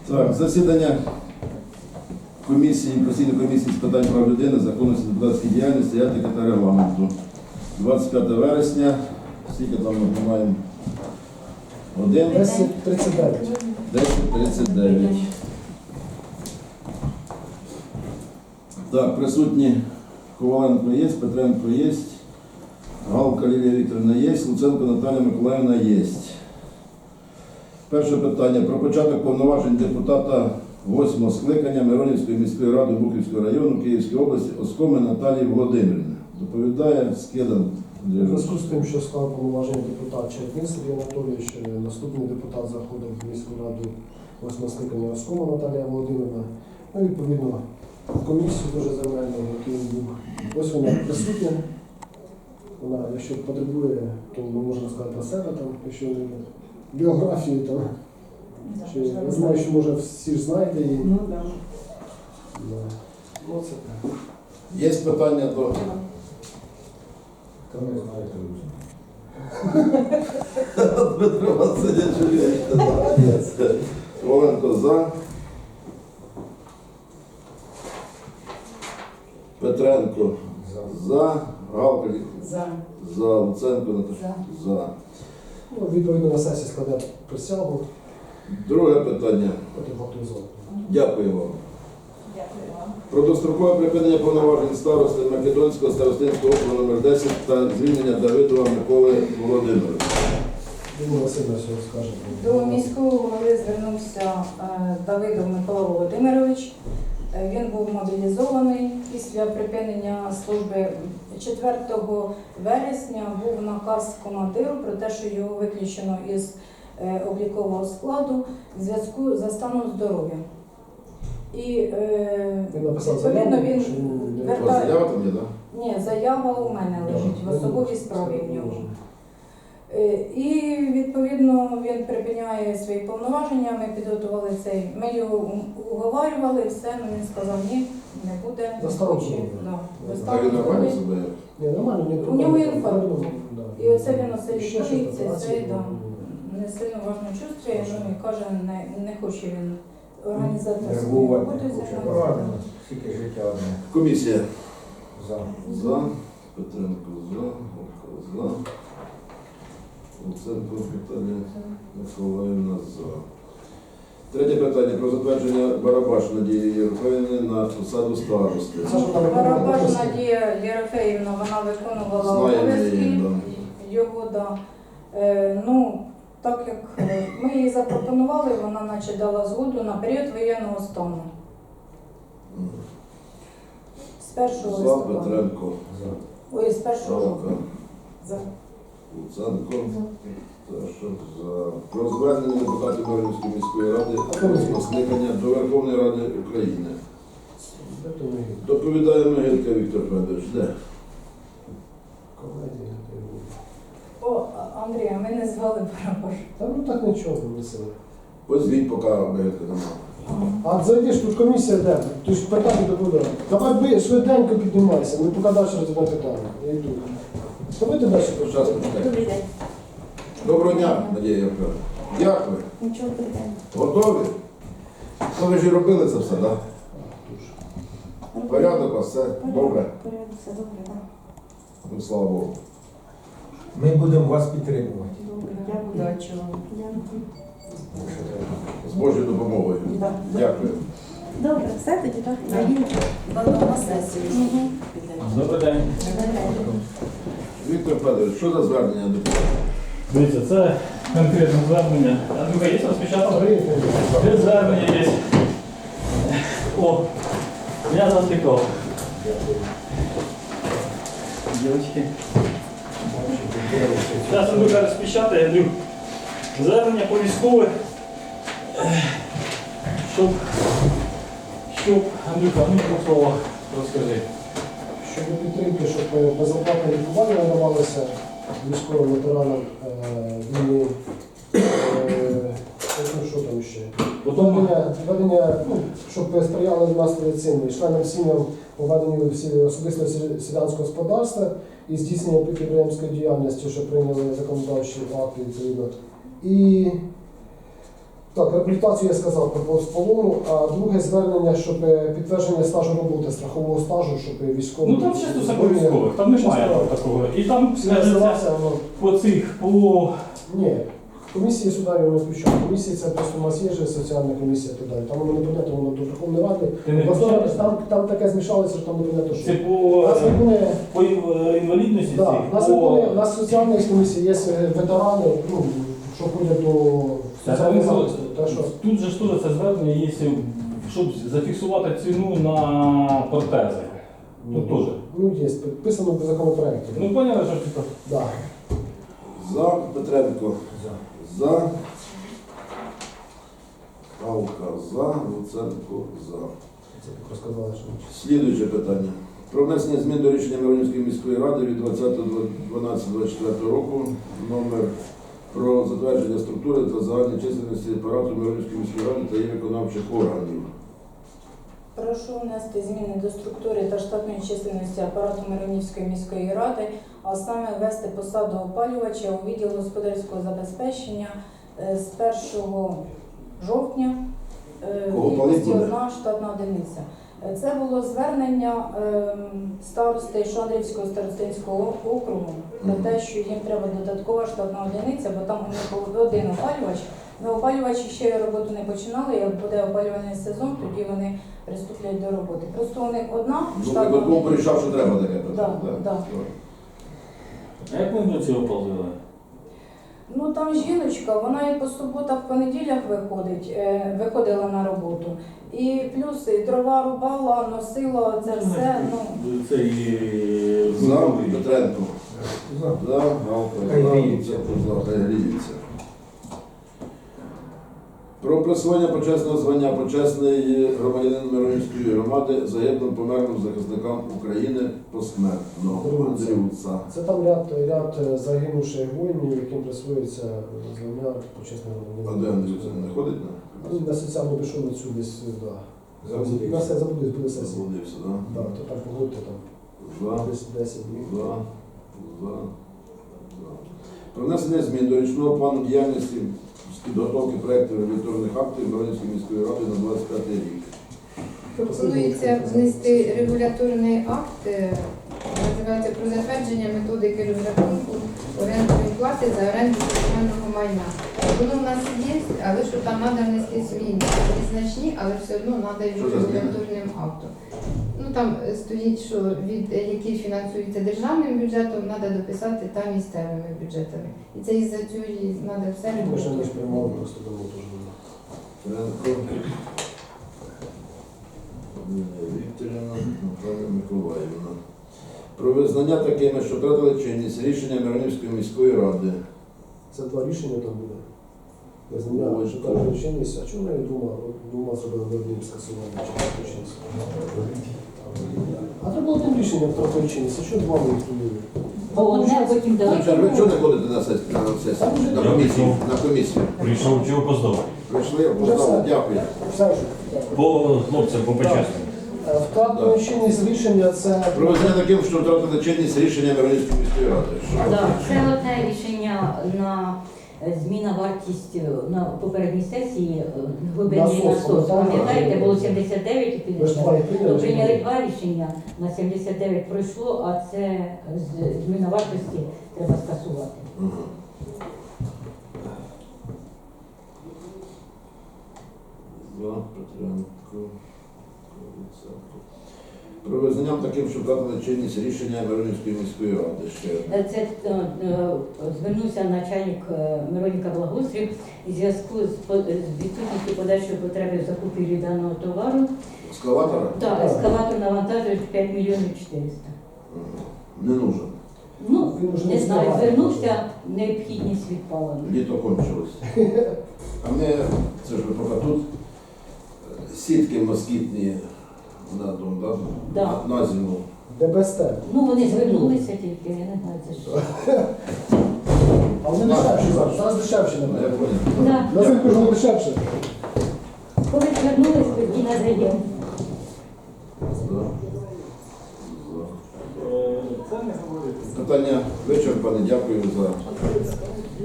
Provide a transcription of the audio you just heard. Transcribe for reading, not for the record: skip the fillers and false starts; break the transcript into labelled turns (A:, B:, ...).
A: Так, засідання постійної комісії з питань прав людини, законності депутатської діяльності, етики та регламенту. 25 вересня, скільки там ми маємо?
B: 10:39.
A: 10:39. Так, присутні Коваленко є, Петренко є, Галка Лілія Вікторівна є, Луценко Наталія Миколаївна є. Перше питання про початок повноважень депутата 8-го скликання Миронівської міської ради Бухівського району Київської області Оскоми Наталії Володимирівни. Доповідає Скидан.
B: У зв'язку з тим, що склав повноваження депутат Чернін Сергій Анатолійович, наступний депутат заходив в міську раду 8-го скликання Оскома Наталія Володимирівна. Ну, відповідно, комісію дуже земельну, який він був. Ось вона присутня. Вона, якщо потребує, то можна сказати про себе, там, якщо біографії, там. Я знаю, що може всі ж знаєте її.
C: Ну, да.
B: Да. Ну, це так.
A: Є питання до...
D: Та не знаєте.
A: Дмитро Васильович, Коваленко за. Петренко за. Галка
C: За.
A: за. Луценко Наталя за.
B: Ну, відповідно на сесії складе присягу,
A: Друге питання.
B: потім готує.
A: Дякую вам.
C: Дякую вам.
A: Про дострокове припинення повноважень старости Македонського старостинського округу номер 10 та звільнення Давидова Миколи Володимировича.
B: Думаю, Васильович скаже.
C: До міського голови звернувся Давидов Микола Володимирович. Він був мобілізований після припинення служби. 4 вересня був наказ командиру про те, що його виключено із облікового складу в зв'язку за станом здоров'я. І
B: Він написав
C: відповідно
B: заяву,
C: він
B: що він не
A: У вас заява там є, так?
C: Ні, заява у мене лежить в особовій справі в нього. І відповідно він припиняє свої повноваження. Ми підготували цей. Ми його уговарювали, все. Ну він сказав, ні, не буде.
B: Заставив
C: хоче.
B: зробити.
C: Да,
A: Так
C: заставив
A: він нормально
C: зробити.
A: себе?
B: Ні, нормально, ні
C: У
B: проблем.
C: нього інфаркт.
B: Да.
C: І оце він оце
B: Ще щось
C: лікується,
B: операції,
C: це да, не сильно важно чувствує, ну і каже, не хоче він організаторською
D: Нервувати
C: роботою
D: не хоче.
C: займатися.
D: Правильно, скільки життя одне.
A: Комісія.
D: За.
A: За. Петренко за. Галка за. Луценко Наталія Миколаївна за. Третє питання про затвердження Барабаш Надії Єрфеївни на посаду старости.
C: Барабаш Надія Єрофеївна, вона виконувала
A: Знаємо
C: обов'язки
A: її, да.
C: його, да. Ну, так як ми їй запропонували, вона наче дала згоду на період воєнного стану. З 1
A: За.
C: листопада.
A: Петренко.
D: За.
C: Ой, з 1
A: Галка.
C: жовтня. За.
A: Луценко. Теж за. Про звернення депутатів Миронівської міської ради скликання до Верховної Ради України. Доповідає Могилка Віктор Федорович. Де?
C: О, Андрія, ми не звали Барабаш.
B: Та ну так нічого не сили.
A: Позвіть, поки Могилка немає.
B: А зайдеш, тут комісія де? Ти ж питання доповідає. Давай швиденько піднімайся, ми поки далі розглядаємо питання. Я йду. Давайте далі
A: Час
B: почати.
A: почекайте.
C: Добрий день.
A: Доброго дня, Надія Євгенівна. Як ви?
C: Нічого питання.
A: Готові? Ну, ви ж і робили це все, так? Порядок у вас, все добре?
C: Порядок, все добре, так.
A: Ну, слава Богу.
D: Ми будемо вас підтримувати.
C: Добре, дякую. Удачі вам.
A: З Божою допомогою.
C: Да.
A: Дякую.
E: Добре, все тоді так.
C: На сесію.
F: Добрий день.
A: Віктор Федорович, що за звернення депутатів?
F: Дивіться, це конкретне звернення. Андрюха, є розпечатано? Це звернення є. О, я затикав. Дівчатки. Зараз Андрюха розпечатає, Андрюх. Звернення по військових. Щоб, Андрюха, ну в двох словах розкажи.
B: Щодо підтримки, щоб безоплатне лікування надавалося військовим ветеранам війни. Що там ще? Введення, ну, щоб сприяли нас цим членам сім'ям у веденні особистого селянського господарства і здійснення підприємської діяльності, що прийняли законодавчі акти відповідно. І Так, реабілітацію я сказав про полону, а друге звернення, щоб підтвердження стажу роботи, страхового стажу, щоб військові...
F: Ну там чисто все по військових, там немає такого. І там скажеться
B: Називався, воно...
F: по цих, по...
B: Ні, комісії сюди його не включають. Комісії це просто у нас є же соціальна комісія туди. Там воно не понятно, воно до Верховної Ради.
F: Ти не
B: Просто
F: включаєш?
B: там таке змішалося, що там не понятно, що.
F: Це
B: У нас не буде...
F: по інвалідності
B: Да,
F: цих,
B: у нас не буде, у
F: по...
B: нас соціальна комісія є ветерани, ну, що ходять до соціальних захисту. Так що
F: Тут же ж теж це звернення є, щоб зафіксувати ціну на протези. Тут теж.
B: ну, є, підписано в законопроекті.
F: Ну, поняли, що типу.
B: Да.
A: За Петренко. За. Галка за. Луценко за.
B: Це як розказали, що
A: Слідуюче питання. Про внесення змін до рішення Миронівської міської ради від 20.12.24 року номер про затвердження структури та загальної чисельності апарату Миронівської міської ради та її виконавчих органів.
C: Прошу внести зміни до структури та штатної чисельності апарату Миронівської міської ради, а саме ввести посаду опалювача у відділ господарського забезпечення з 1 жовтня
A: Кого
C: в
A: палить
C: кількості
A: буде?
C: одна штатна одиниця. Це було звернення старости Шандрівського старостинського округу про те, що їм треба додаткова штатна одиниця, бо там у них був один опалювач. Но опалювачі ще роботу не починали, як буде опалювальний сезон, тоді вони приступлять до роботи. Просто у них одна
A: Ну,
C: штатна
A: виконком
C: одиниця.
A: порішав, що треба таке питання.
C: Да.
F: А як ми до цього повзили?
C: Ну там жіночка, вона і по суботах, понеділях виходила на роботу. І плюс і дрова рубала, носила це все. Ну,
F: Це і...
A: За Петренко.
D: За.
A: За Галка
D: Хай
A: за.
D: гріються.
A: Луценко за. Хай гріються. Про присвоєння почесного звання почесний громадянин Миронівської громади загиблим померлим захисникам України посмертно. Андрюца.
B: це там ряд загинувших воїнів, яким присвоюється звання почесного
A: А де Андрюца не ходить на?
B: Ну, на соціальну пішов на цю десь, да.
D: Заблудився.
B: На все забудуть, буде сесія.
A: Заблудився,
B: Да,
A: так?
B: то так погодьте там.
A: За.
B: Десь 10 днів.
A: За. Про внесення змін до річного плану діяльності з підготовки проєктів регуляторних актів Миронівської міської ради на 25 рік.
G: Пропонується внести регуляторний акт, називається про затвердження методики розрахунку орендної плати за оренду комунального майна. Воно в нас є, але що там треба внести зміни. Незначні, але все одно треба
A: Що за зміни?
G: регуляторним актом. Ну там стоїть, що від які фінансуються державним бюджетом, треба дописати та місцевими бюджетами. І це із-за цього треба все
B: Ми ще не
G: регулювати.
B: приймали, просто давно теж було.
A: Френко. Вікторівна, Наталя Миколаївна. Про визнання такими, що втратили чинність рішення Миронівської міської ради.
B: Це два рішення там буде. Визнання,
A: Ой,
B: що
A: так.
B: там чинність, а чому навіть двома зробили одним скасування чи чинність? А треба було одним рішенням втратили чинність, а чого два ми відповіли?
E: Бо одне потім
A: Ви
E: дали.
A: чого не ходите на сесію? На комісію? На комісію.
H: Прийшов, чого опоздав?
A: Прийшли, опоздали, дякую.
B: Все ж.
H: По хлопцям, по почесному.
B: Втратили чинність рішення це...
A: Про визнання таким, що втратили чинність рішення Миронівської міської ради. Що?
E: Да, це одне рішення на зміна вартість на попередній сесії глибинний
B: Насос,
E: насос.
B: так?
E: Пам'ятаєте, було 79 і
B: Ви ж два і
E: 50.
B: прийняли,
E: То прийняли
B: чи ні?
E: два рішення, на 79 пройшло, а це зміна вартості треба скасувати.
A: Ага. За Петренко. Луценко. Про визнання таким, що втратили чинність рішення Миронівської міської ради. Ще
E: Це звернувся начальник Мироніка Благоустрів у зв'язку з відсутністю подальшої потреби в закупівлі даного товару.
A: ескалатора?
E: Так, ескалатор навантажує 5 мільйонів 400.
A: Ага. Не нужен.
E: Ну,
B: Він уже
E: не
B: не
E: знаю,
B: встигає.
E: звернувся, необхідність відпала.
A: Літо кончилось. А ми, це ж ви поки тут, сітки москітні на дом, да?
E: Да.
A: На зиму.
B: ДБСТ.
E: Ну, вони звернулися тільки, я не знаю, це що.
B: А вони дешевші зараз. Зараз дешевші,
A: Я
B: напевно.
A: понял.
E: Да.
B: На зимку ж не дешевше.
E: Коли звернулись, тоді надаємо.
A: Да.
F: Це не говорити.
A: Питання вичерпане. Дякую за